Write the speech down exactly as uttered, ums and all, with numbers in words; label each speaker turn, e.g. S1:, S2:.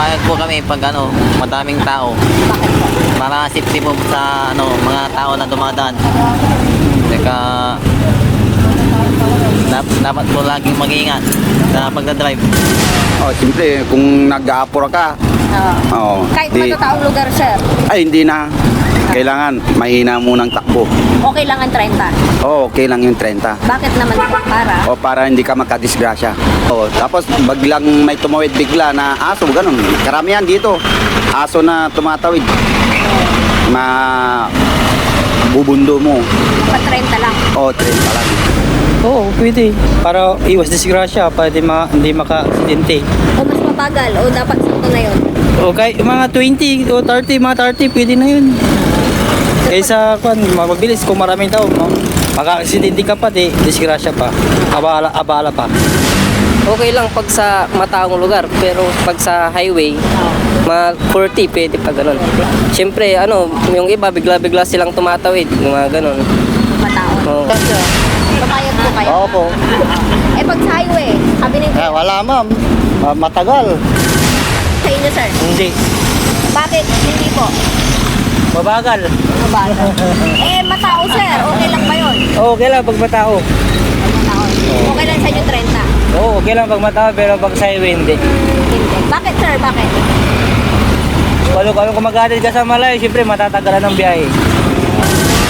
S1: pumayag po kami pag ano, madaming tao.
S2: Bakit po?
S1: Para safety po sa ano, mga tao na dumadaan. Teka, dap- dapat po laging mag-iingat sa pagdadrive.
S3: Oh, siyempre, kung nag-aapura ka,
S2: Oo.
S3: oo,
S2: Kahit
S3: di,
S2: matataong lugar, sir,
S3: ay hindi na. Kailangan, mahina munang takbo.
S2: okay lang ang trenta.
S3: Oh, okay lang yung trenta.
S2: Bakit naman po? Para?
S3: O para hindi ka magkadisgrasya. O, tapos baglang may tumawid bigla na aso, ganun. Karamihan dito, aso na tumatawid. Ma bubundo mo.
S2: Pa trenta lang.
S3: O, trenta lang.
S4: Oo, pwede. Para iwas disgrasya, pwede ma hindi maka-aksidente.
S2: O mas mabagal? O dapat sakto na yun?
S4: Okay, mga twenty o thirty, mga thirty, pwede na yun. Kaysa, kung mabilis, kung maraming tao, no? Maka-aksidente ka pa, di, disgrasya pa. Abala, abala pa.
S5: Okay lang pag sa mataong lugar, pero pag sa highway, mga forty pwede pa ganun. Siyempre, ano, yung iba bigla-bigla silang tumatawid, yung mga ganun.
S2: Matao.
S5: Oo.
S2: Pamayag po kayo?
S6: Oo po.
S2: Eh pag sa highway, sabi ng
S6: Eh, wala ma'am. Ah, matagal.
S2: sa inyo, sir.
S4: Hindi.
S2: Bakit? Hindi po.
S4: Mabagal.
S2: Mabagal. Eh, matao, sir. Okay lang ba yun?
S4: Okay lang pag matao.
S2: Matao. Okay lang sa inyo trenta?
S4: Oo, okay lang pag matao, pero pag sa highway, hindi.
S2: Hindi. Bakit, sir? Bakit?
S4: Kung kung kumagatid ka sa malayo, siyempre matatagalan ng biyahe.